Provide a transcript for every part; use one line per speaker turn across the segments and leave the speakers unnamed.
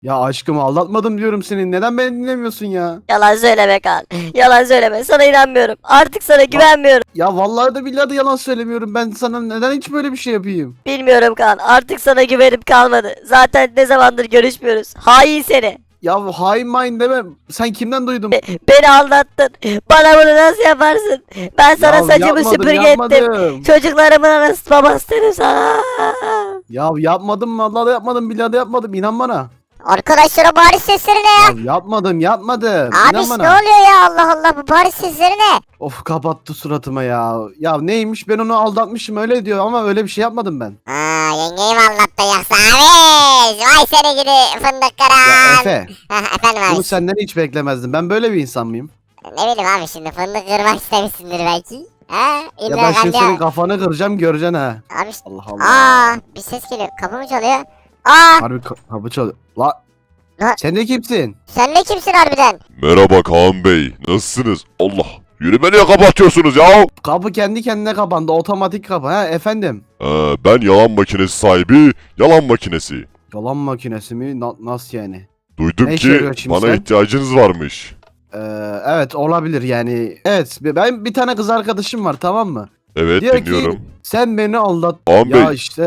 Ya aşkım aldatmadım diyorum seni. Neden beni dinlemiyorsun ya?
Yalan söyleme Kaan. Yalan söyleme. Sana inanmıyorum. Artık sana güvenmiyorum.
Ya vallahi de billahi de yalan söylemiyorum. Ben sana neden hiç böyle bir şey yapayım?
Bilmiyorum Kaan. Artık sana güvenim kalmadı. Zaten ne zamandır görüşmüyoruz. Hain seni.
Ya hain main deme. Sen kimden duydun?
Beni aldattın. Bana bunu nasıl yaparsın? Ben sana
Ya
saçımı
yapmadım,
süpürge ettim.
yapmadım.
Çocuklarımın anası babası dedim sana.
Ya yapmadım vallahi de yapmadım billahi de yapmadım. İnan bana.
Arkadaşlar o bağırış sesleri ne ya?
Ya yapmadım. İnan
Abiş ne
bana.
oluyor ya, Allah Allah, bu bağırış sesleri ne?
Of kapattı suratıma ya. Ya neymiş ben onu aldatmışım öyle diyor ama öyle bir şey yapmadım ben.
Yengeyi mi anlattın yoksa abiş? Vay seni gidi fındık
Ya
kıran.
Efe
Efendim
bunu
abiş.
senden hiç beklemezdim. Ben böyle bir insan mıyım?
Ne bileyim abi, şimdi fındık kırmak istemişsindir belki. Ha?
Ya
İmran
ben şimdi
Gamze.
senin kafanı kıracaksın göreceksin ha.
Abiş.
Allah Allah.
Bir ses geliyor. Kapı mı çalıyor? Aa,
Harbi kapı çalıyor. La.
La-
Sen de kimsin?
sen de kimsin harbiden?
Merhaba Kaan Bey. Nasılsınız? Allah. Yürüme niye kapatıyorsunuz ya?
Kapı kendi kendine kapandı. Otomatik kapı. Ha efendim.
Ben yalan makinesi sahibi, yalan makinesi.
Yalan makinesi mi? Nasıl yani?
Duydum
Ne işe
ki
yarıyor şimdi
bana
sen?
ihtiyacınız varmış.
Ee, evet olabilir yani. Evet ben bir tane kız arkadaşım var tamam mı?
Evet
Diyor
dinliyorum.
ki sen beni aldat.
Kaan
Ya
Bey.
işte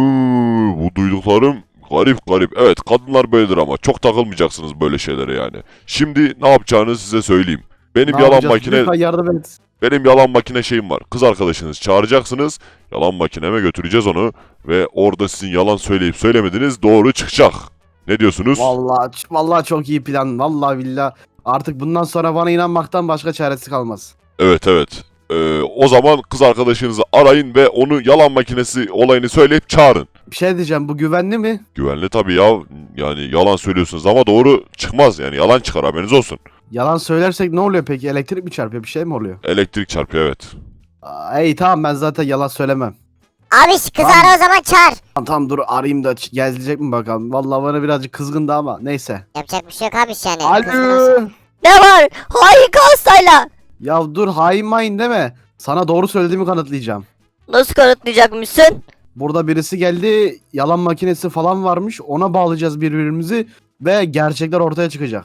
Bu duyduklarım garip garip. Evet kadınlar böyledir ama çok takılmayacaksınız böyle şeylere yani. Şimdi ne yapacağınızı size söyleyeyim. Benim
ne
yalan
yapacağız?
makine
Lütfen yardım et.
Benim yalan makine şeyim var. Kız arkadaşınız çağıracaksınız. Yalan makineme götüreceğiz onu. Ve orada sizin yalan söyleyip söylemediğiniz doğru çıkacak. Ne diyorsunuz?
Vallahi çok iyi plan. Vallahi billah. Artık bundan sonra bana inanmaktan başka çaresi kalmaz.
Evet evet. O zaman kız arkadaşınızı arayın ve onu yalan makinesi olayını söyleyip çağırın.
Bir şey diyeceğim bu güvenli mi?
Güvenli tabii ya. Yani yalan söylüyorsunuz ama doğru çıkmaz yani. Yalan çıkar haberiniz olsun.
Yalan söylersek ne oluyor peki? Elektrik mi çarpıyor? Bir şey mi oluyor?
Elektrik çarpıyor evet.
İyi tamam ben zaten yalan söylemem.
Abiş kızı
Tamam.
ara o zaman, çağır.
Tamam dur arayayım da gelecek mi bakalım. Vallahi bana birazcık kızgındı ama neyse.
Yapacak bir şey yok abiş yani. Kızın
Alo.
olsun.
Ne var? Hain Kansayla.
Ya dur hain main deme. Sana doğru söylediğimi kanıtlayacağım.
Nasıl kanıtlayacakmışsın?
Burada birisi geldi. Yalan makinesi falan varmış. Ona bağlayacağız birbirimizi. Ve gerçekler ortaya çıkacak.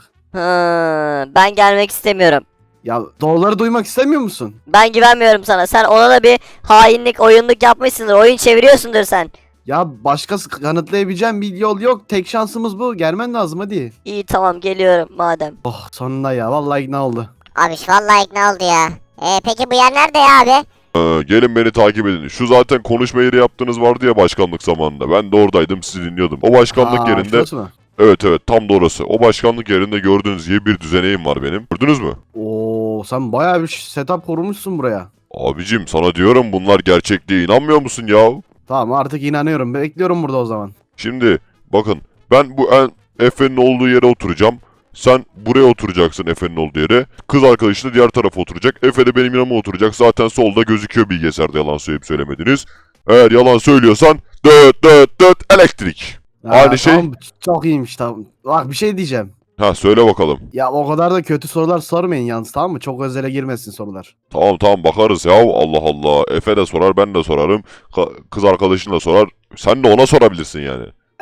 Ben gelmek istemiyorum.
Ya doğruları duymak istemiyor musun?
Ben güvenmiyorum sana. Sen ona da bir hainlik, oyunluk yapmışsındır. Oyun çeviriyorsundur sen.
Ya başkası kanıtlayabileceğim bir yol yok. Tek şansımız bu. Gelmen lazım hadi.
İyi tamam geliyorum madem.
Oh sonunda ya. Vallahi ikna oldu.
Abiş vallahi ikna oldu ya. Peki bu yer nerede ya abi?
Gelin beni takip edin. Şu zaten konuşma yeri yaptığınız vardı ya başkanlık zamanında. Ben de oradaydım sizi dinliyordum. O başkanlık yerinde...
şurası mı?
Evet evet tam da orası. O başkanlık yerinde gördüğünüz gibi bir düzeneğim var benim. Gördünüz mü?
Oo sen bayağı bir setup kurmuşsun buraya.
Abicim sana diyorum bunlar gerçek diye inanmıyor musun ya?
Tamam artık inanıyorum. Bekliyorum burada o zaman.
Şimdi bakın ben bu Efe'nin olduğu yere oturacağım. Sen buraya oturacaksın Efe'nin olduğu yere. Kız arkadaşı da diğer tarafa oturacak. Efe de benim yanıma oturacak. Zaten solda gözüküyor bilgisayarda yalan söyleyip söylemediniz. Eğer yalan söylüyorsan döt döt döt elektrik. Aynı şey.
Tamam, çok iyiymiş tamam. Bak bir şey diyeceğim.
Ha söyle bakalım.
Ya o kadar da kötü sorular sormayın yalnız tamam mı? Çok özele girmesin sorular.
Tamam tamam bakarız ya. Allah Allah. Efe de sorar ben de sorarım. Kız arkadaşın da sorar. Sen de ona sorabilirsin yani.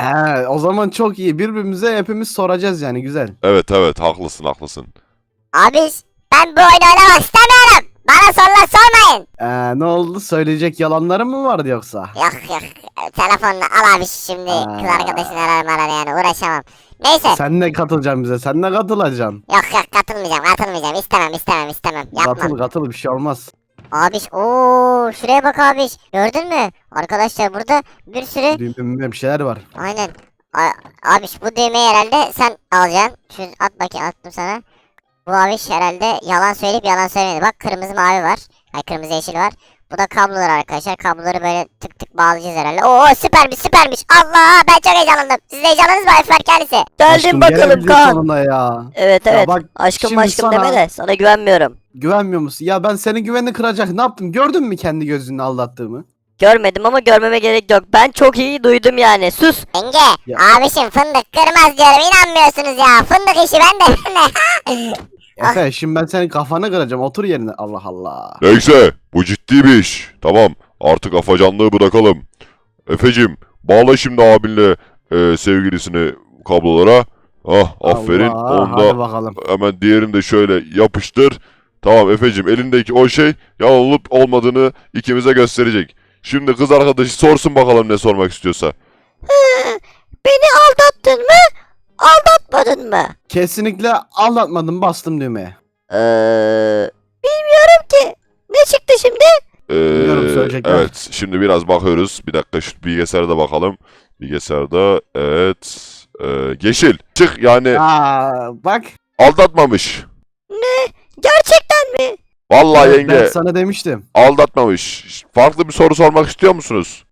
O zaman çok iyi. Birbirimize hepimiz soracağız yani güzel.
Evet evet haklısın haklısın.
Abiş ben bu oyunu oynamak istemiyorum. Bana sorular sormayın.
Ne oldu? Söyleyecek yalanların mı vardı yoksa?
Yok yok. Telefonla al abiş şimdi. Kız arkadaşını arar yani, uğraşamam. Neyse.
Sen ne katılacaksın bize? Sen ne katılacaksın?
Yok katılmayacağım. İstemem. Yapma.
Katıl bir şey olmaz.
Abiş şuraya bak abiş. Gördün mü? Arkadaşlar burada bir sürü.
Düğümde bir şeyler var.
Aynen. Abiş bu düğmeyi herhalde sen alacaksın. Şunu at bakayım, attım sana. Bu abiş herhalde yalan söyleyip yalan söylemedi. Bak kırmızı mavi var. Ay kırmızı yeşil var. Bu da kablolar arkadaşlar. Kabloları böyle tık tık bağlayacağız herhalde. Oo süpermiş. Allah ben çok heyecanlandım. Siz de heyecanlandınız mı Efer kendisi?
Geldim
Aşkım,
bakalım
gelebildik
Kaan.
sonunda ya.
Evet
Ya
evet.
bak,
Aşkım
şimdi
aşkım
sana-
deme de sana güvenmiyorum.
Güvenmiyor musun? Ya ben senin güvenini kıracak ne yaptım? Gördün mü kendi gözünle aldattığımı?
Görmedim ama görmeme gerek yok. Ben çok iyi duydum yani. Sus.
Yenge
Ya.
abişim fındık kırmaz diyorum, inanmıyorsunuz ya. Fındık işi bende.
Efe şimdi ben senin kafanı kıracağım. Otur yerine. Allah Allah.
Neyse bu ciddi bir iş. Tamam artık afacanlığı bırakalım. Efecim bağla şimdi abinle sevgilisini kablolara. Ah aferin.
Allah,
Onda
hadi bakalım.
hemen diğerini de şöyle yapıştır. Tamam Efe'cim, elindeki o şey yalan olup olmadığını ikimize gösterecek. Şimdi kız arkadaşı sorsun bakalım ne sormak istiyorsa.
Beni aldattın mı? Aldatmadın mı?
Kesinlikle aldatmadım, bastım düğmeye.
Bilmiyorum ki. Ne çıktı şimdi?
Bilmiyorum, söyleyecekler.
Evet, şimdi biraz bakıyoruz. Bir dakika şu bilgisayara da bakalım. Bilgisayarda evet. Yeşil. Çık yani
Bak.
aldatmamış.
Gerçekten mi?
Vallahi
Ben
yenge
sana demiştim.
aldatmamış. Farklı bir soru sormak istiyor musunuz?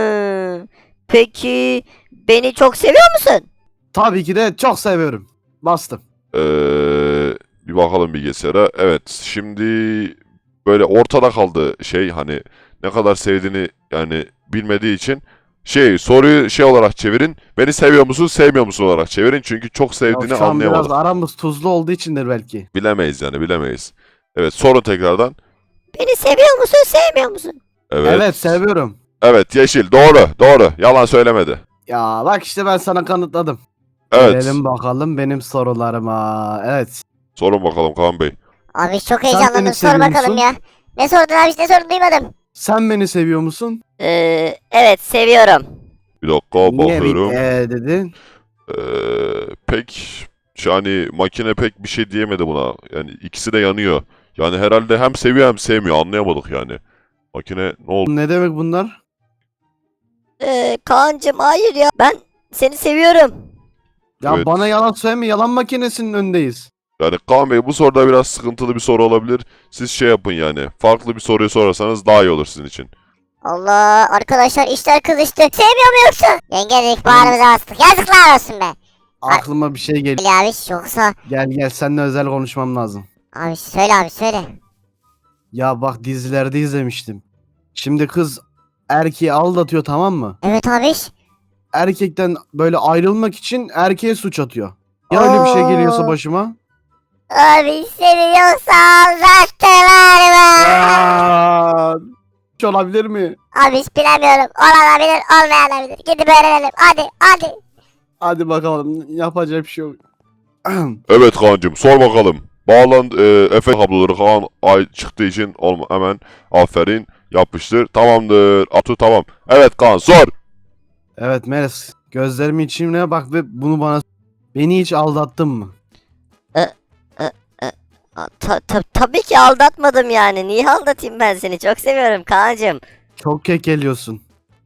Peki beni çok seviyor musun?
Tabii ki de çok seviyorum. Bastım.
Ee, bir bakalım bilgisayara. Evet, şimdi böyle ortada kaldı şey, hani ne kadar sevdiğini yani bilmediği için soruyu şey olarak çevirin. Beni seviyor musun, sevmiyor musun olarak çevirin. Çünkü çok
Ya
sevdiğini
şu an
anlayamadık.
biraz aramız tuzlu olduğu içindir belki.
Bilemeyiz yani, bilemeyiz. Evet, sorun tekrardan.
Beni seviyor musun, sevmiyor musun?
Evet.
Evet, seviyorum.
Evet, yeşil. Doğru, doğru. Yalan söylemedi.
Ya bak işte ben sana kanıtladım.
Evet.
Gelelim bakalım benim sorularıma. Evet.
Sorun bakalım Kaan Bey.
Abi çok
beni
heyecanlandım. Sor
seviyor
bakalım
musun?
ya. Ne sordun abi, ne sordun duymadım.
Sen beni seviyor musun?
Evet seviyorum.
Bir dakika
Niye bir
bakıyorum.
dedin?
Pek yani makine pek bir şey diyemedi buna. Yani ikisi de yanıyor. Yani herhalde hem seviyor hem sevmiyor. Anlayamadık yani. Makine ne oldu?
Ne demek bunlar?
Kaan'cım hayır ya. Ben seni seviyorum.
Ya
Evet.
bana yalan söyleme, yalan makinesinin önündeyiz.
Yani Kaan Bey, bu soruda biraz sıkıntılı bir soru olabilir. Siz şey yapın yani. Farklı bir soruyu sorarsanız daha iyi olur sizin için.
Allah, arkadaşlar işler kızıştı. Sevmiyor mu yoksa? Yenge dedik, bağrımıza bastık. Yazıklar olsun be.
Aklıma bir şey geliyor.
Ali abi yoksa.
Gel seninle özel konuşmam lazım.
Abi söyle abi söyle.
Ya bak, dizilerde izlemiştim. Şimdi kız erkeği aldatıyor, tamam mı?
Evet abi.
Erkekten böyle ayrılmak için erkeğe suç atıyor. Ya öyle bir şey geliyorsa
Oo.
başıma?
Abi seviyorsa aldattılar mı?
Aa, hiç olabilir mi?
Abi hiç bilemiyorum. Olabilir, olmayabilir. Gidip öğrenelim. Hadi.
Hadi bakalım, yapacak bir şey yok.
Evet Kaan'cığım, sor bakalım. Efe kabloları Kaan ay çıktığı için hemen aferin, yapıştır. Tamamdır. Atı tamam. Evet Kaan, sor.
Evet Melis, gözlerimin içine bak ve bunu beni hiç aldattın mı?
Tabii ki aldatmadım yani. Niye aldatayım ben seni? Çok seviyorum Kaan'cım.
Çok kekeliyorsun.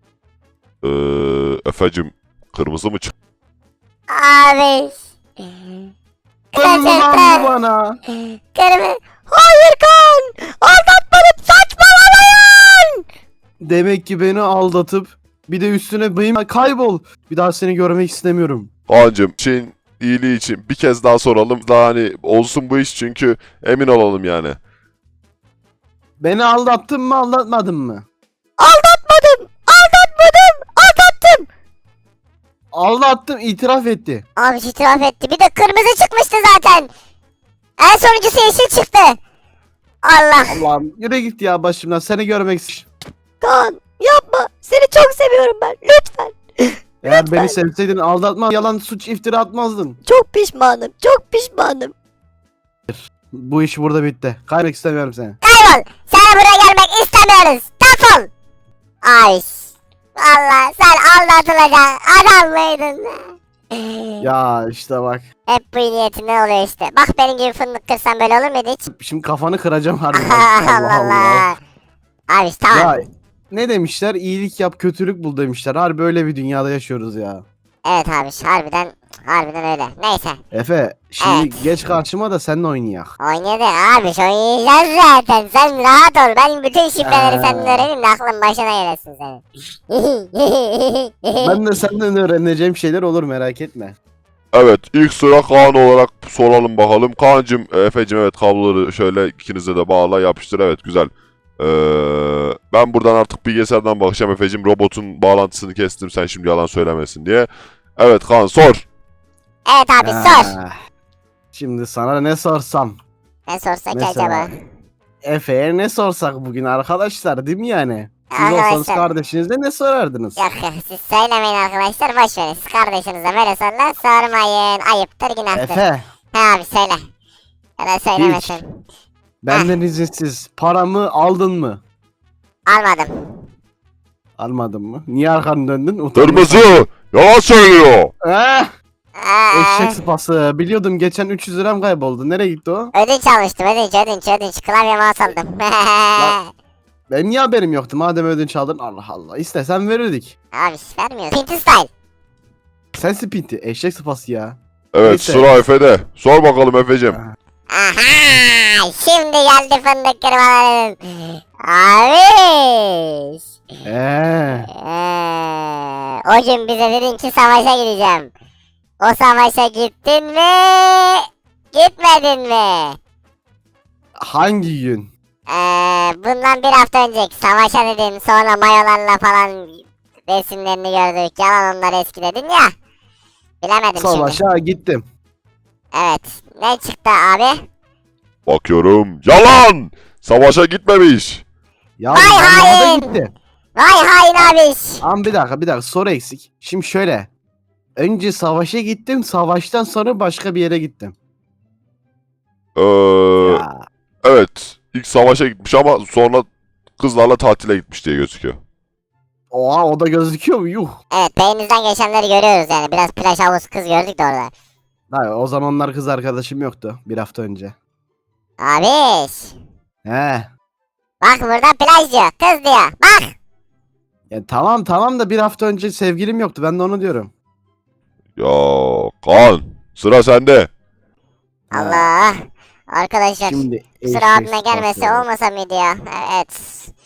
Efe'cim, kırmızı mı çıktı?
Abi.
Kırmızı
Gerçekten.
bana.
Kırmızı.
Hayır Kaan. Aldatmadım. Saçmalamayın.
Demek ki beni aldatıp bir de üstüne benim kaybol. Bir daha seni görmek istemiyorum.
Kaan'cığım, şeyin iyiliği için bir kez daha soralım. Daha hani olsun bu iş, çünkü emin olalım yani.
Beni aldattın mı, aldatmadın mı?
Aldatmadım. Aldattım.
Aldattım, itiraf etti.
Abi itiraf etti. Bir de kırmızı çıkmıştı zaten. En sonuncusu yeşil çıktı. Allah.
Allah'ım, yürü git ya başımdan, seni görmek istiyorum.
Kaan yapma. Seni çok seviyorum ben. Lütfen.
Eğer beni sevseydin aldatma, yalan suç iftira atmazdın.
Çok pişmanım. Çok pişmanım.
Bu iş burada bitti. Kaymak istemiyorum seni.
Kaybol. Sana buraya gelmek istemiyoruz. Defol. Ay. Allah, sen aldatılacak adam mıydın?
Ya işte bak.
Hep bu iyi niyetinden oluyor işte. Bak benim gibi fındık kırsan böyle olur muydu hiç?
Şimdi kafanı kıracağım harbiden.
Allah Allah. Abi tamam.
Ya ne demişler? İyilik yap, kötülük bul demişler. Harbi öyle bir dünyada yaşıyoruz ya.
Evet abi harbiden öyle. Neyse.
Efe, şimdi
Evet.
geç karşıma da seninle oynayak.
Oynadı abi oynayacağız zaten. Sen rahat ol. Ben bütün şifreleri senden öğreneyim de aklın başına gelesin senin.
Ben de senden öğreneceğim şeyler olur, merak etme.
Evet, ilk sıra Kaan olarak soralım bakalım. Kaan'cığım, Efe'cim, evet kabloları şöyle ikinize de bağla, yapıştır. Evet, güzel. Ben buradan artık bilgisayardan bakacağım Efe'cim. Robotun bağlantısını kestim, sen şimdi yalan söylemesin diye. Evet Kaan, sor.
Evet abi sor.
Ah, Şimdi sana ne sorsam?
Ne sorsak
Mesela.
acaba?
Efe'ye ne sorsak bugün arkadaşlar, değil mi yani? Siz olsanız
Arkadaşlar.
kardeşinize ne sorardınız?
Yok yok siz söylemeyin arkadaşlar boş verin. Siz kardeşinize böyle sorular sormayın. Ayıptır günahtır.
Efe,
He abi söyle. Ya da söylemesin.
benden izinsiz paramı aldın mı?
Almadım.
Almadın mı? Niye arkanı döndün? Utandın.
Kırmızı yalan söylüyor.
Eh, eşek
Eee,
sıpası. Biliyordum geçen 300 liram kayboldu. Nereye gitti o?
ödünç almıştım ödünç. Klavye mouse aldım.
Benim niye haberim yoktu? Madem ödünç aldın. Allah Allah. İstesen verirdik.
Abi vermiyorsun. Pinti style.
Sen spinti. Eşek sıpası ya.
Evet
Neyse.
sıra Efe'de. Sor bakalım Efe'cim.
Aha! Şimdi geldi fındık kırmalarım. Abi. O gün bize dedin ki savaşa gideceğim. O savaşa gittin mi? Gitmedin mi?
Hangi gün?
Bundan bir hafta önceki savaşa dedin sonra mayolarla falan resimlerini gördük. Yalan onlar eski dedin ya. Bilemedim şimdi.
Savaşa gittim.
Evet. Ne çıktı abi?
Bakıyorum. Yalan. Savaşa gitmemiş.
Ya
Hay
zamanında
hain!
gitti.
Vay hain abiş.
Ama bir dakika soru eksik. Şimdi şöyle. Önce savaşa gittim. Savaştan sonra başka bir yere gittim. Ya,
Evet. İlk savaşa gitmiş ama sonra kızlarla tatile gitmiş diye gözüküyor.
oha o da gözüküyor mu? Yuh.
Evet beyninizden geçenleri görüyoruz yani. Biraz plaj havuz kız gördük de orada.
Hayır, o zamanlar kız arkadaşım yoktu. Bir hafta önce.
Abiş.
He.
Bak burada plaj diyor. Kız diyor. Bak.
Ya tamam da bir hafta önce sevgilim yoktu. Ben de onu diyorum.
Ya Kaan sıra sende.
Allah. Arkadaşlar.
Şimdi
Sıra abime
eşek
gelmesi
sıpası.
olmasa mıydı ya? Evet.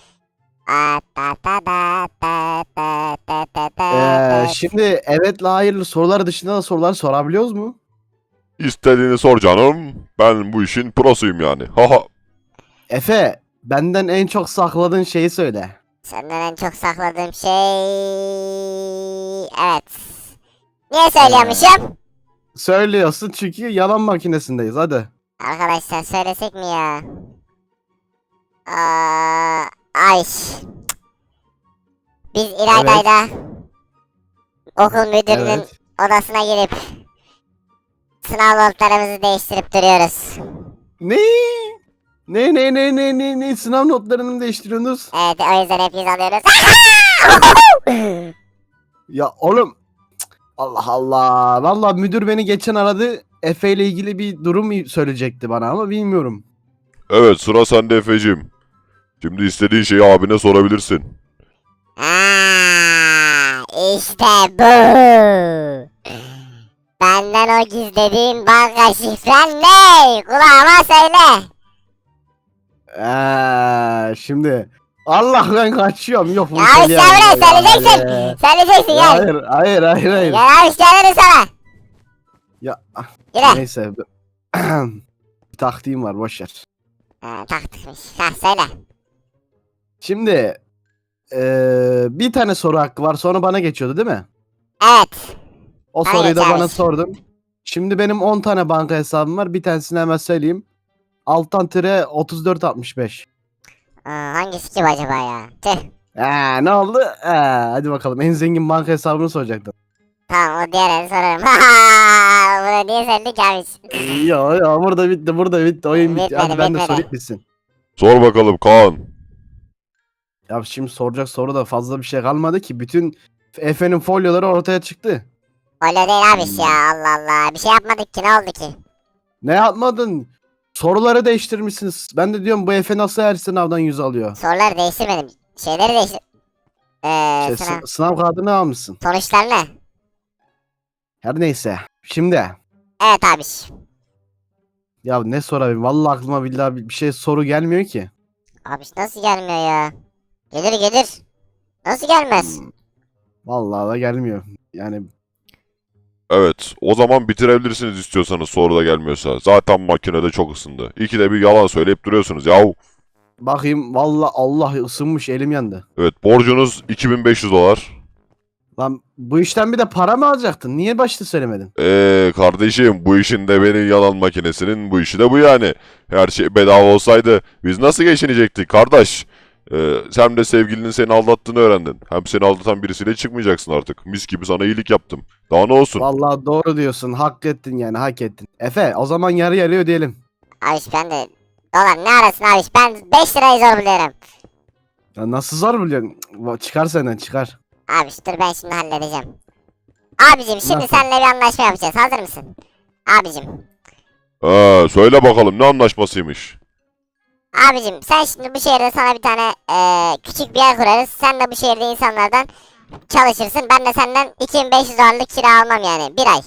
Şimdi evetle hayırlı sorular dışında da sorular sorabiliyoruz mu?
İstediğini sor canım. Ben bu işin prosuyum yani. Haha.
Efe, benden en çok sakladığın şeyi söyle.
Senden en çok sakladığım şey... Evet. Niye söylüyormuşum?
Söylüyorsun çünkü yalan makinesindeyiz hadi.
Arkadaşlar söylesek mi ya? Ay. Biz İlayda'yla okul müdürünün
Evet.
odasına girip sınav notlarımızı değiştirip duruyoruz.
Ne? Ne? Sınav notlarını mı değiştiriyorsunuz?
Evet o yüzden hep 100 alıyoruz.
Ya oğlum. Cık, Allah Allah. Valla müdür beni geçen aradı. Efe ile ilgili bir durum söyleyecekti bana ama bilmiyorum.
Evet sıra sende Efe'cim. Şimdi istediğin şeyi abine sorabilirsin.
İşte bu. Benden o gizlediğin banka şifren ne? Kulağıma söyle.
Şimdi Allah ben kaçıyorum. Yok bunu
Ya
söyleyemem.
işte buraya söyleyeceksin. Söyleyeceksin gel.
Hayır.
Gel abi söylerim sana.
Ya
Yürü.
neyse. Bir taktiğim var boşver.
Taktıkmış. Ha söyle.
Şimdi bir tane soru hakkı var sonra bana geçiyordu değil mi?
Evet.
O
Hayır,
soruyu da bana
evet.
sordun. Şimdi benim 10 tane banka hesabım var. Bir tanesini hemen söyleyeyim. Alttan tire 3465.
Hangisi ki bu acaba ya? Tüh.
Ne oldu? Hadi bakalım en zengin banka hesabını soracaktım.
Tamam o diğerini sorarım. Bunu niye söyledik abi?
Ya burada bitti oyun bitti.
Bitmedi,
Hadi ben de
bitmedi.
sorayım bitsin.
Sor bakalım Kaan.
Ya şimdi soracak soru da fazla bir şey kalmadı ki. Bütün Efe'nin folyoları ortaya çıktı.
Öyle değil abi ya Allah Allah. Bir şey yapmadık ki ne oldu ki?
Ne yapmadın? Soruları değiştirmişsiniz. Ben de diyorum bu Efe nasıl her sınavdan 100 alıyor?
Soruları değiştirmedim. Şeyleri değiştir...
Sınav kağıdını almışsın.
Sonuçlar ne?
Her neyse. Şimdi
Evet abi.
ya ne sorayım? Vallahi aklıma billahi bir şey soru gelmiyor ki.
Abi nasıl gelmiyor ya? Gelir. Nasıl gelmez?
Vallahi da gelmiyor. Yani
Evet o zaman bitirebilirsiniz istiyorsanız soru da gelmiyorsa. Zaten makinede çok ısındı. İkide bir yalan söyleyip duruyorsunuz yahu.
bakayım vallahi Allah ısınmış elim yandı.
Evet borcunuz 2500 dolar.
Lan bu işten bir de para mı alacaktın? Niye başta söylemedin?
Kardeşim bu işin de benim yalan makinesinin bu işi de bu yani. Her şey bedava olsaydı biz nasıl geçinecektik kardeş? Sen de sevgilinin seni aldattığını öğrendin. Hem seni aldatan birisiyle çıkmayacaksın artık. Mis gibi sana iyilik yaptım. Daha ne olsun?
Vallahi doğru diyorsun. Hak ettin yani hak ettin. Efe o zaman yarı yarıya ödeyelim.
Abiş ben de dolar ne arasın abiş, ben 5 lirayı zor buluyorum.
Ya nasıl zor biliyorsun? Çıkar senden çıkar.
Abiş dur ben şimdi halledeceğim. Abicim şimdi
Nasıl?
seninle bir anlaşma yapacağız, hazır mısın? Abicim.
Söyle bakalım ne anlaşmasıymış?
Abicim sen şimdi bu şehirde sana bir tane küçük bir yer kurarız. Sen de bu şehirde insanlardan çalışırsın. Ben de senden 2500 dolarlık kira almam yani bir ay.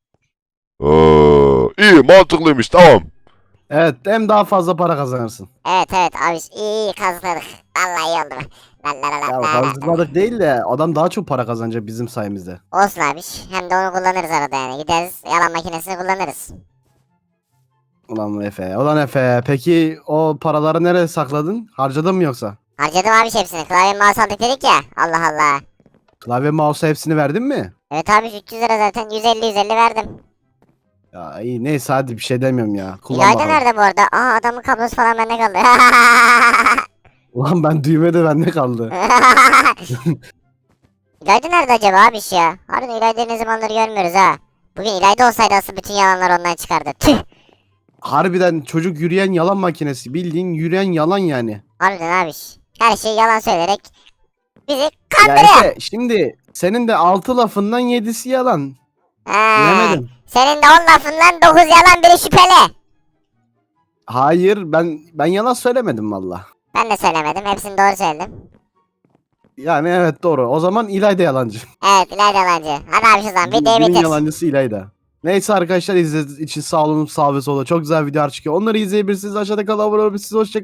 İyi mantıklıymış tamam.
Evet hem daha fazla para kazanırsın.
Evet abiş iyi kazıkladık. Vallahi iyi oldu. La la la la
Ya
la la.
kazıkladık değil de adam daha çok para kazanacak bizim sayemizde.
Olsun abiş. Hem de onu kullanırız arada yani. Gideriz yalan makinesini kullanırız.
Ulan Efe, ulan Efe. Peki o paraları nereye sakladın? Harcadın mı yoksa?
Harcadım abiş hepsini. Klavye mouse aldık dedik ya. Allah Allah.
Klavye mouse hepsini verdin mi?
Evet abiş 300 lira zaten. 150 verdim.
Ya iyi neyse hadi bir şey demiyorum ya. Kullan
İlayda
bakalım.
nerede bu arada? Aa adamın kablosu falan bende kaldı.
Ulan ben düğme de bende kaldı.
İlayda nerede acaba abiş ya? Harbiden İlayda'yı ne zamandır görmüyoruz ha. Bugün İlayda olsaydı asıl bütün yalanlar ondan çıkardı. Tüh.
Harbiden çocuk yürüyen yalan makinesi. Bildiğin yürüyen yalan yani.
Harbiden abiş. Her şeyi yalan söyleyerek bizi
Ya
kandırıyor.
Efe şimdi senin de 6 lafından 7'si yalan.
Ha,
Bilemedim.
senin de 10 lafından 9 yalan biri şüpheli.
Hayır ben yalan söylemedim valla.
Ben de söylemedim. Hepsini doğru söyledim.
Yani evet doğru. O zaman İlayda yalancı.
Evet İlayda yalancı. Hadi abi şu zaman videoyu
Günün
bitir.
yalancısı İlayda. Neyse arkadaşlar izlediğiniz için sağ olun sağ ve sola. Çok güzel videolar çıkıyor. Onları izleyebilirsiniz. Aşağıda kalan abone olabilirsiniz. Hoşçakalın.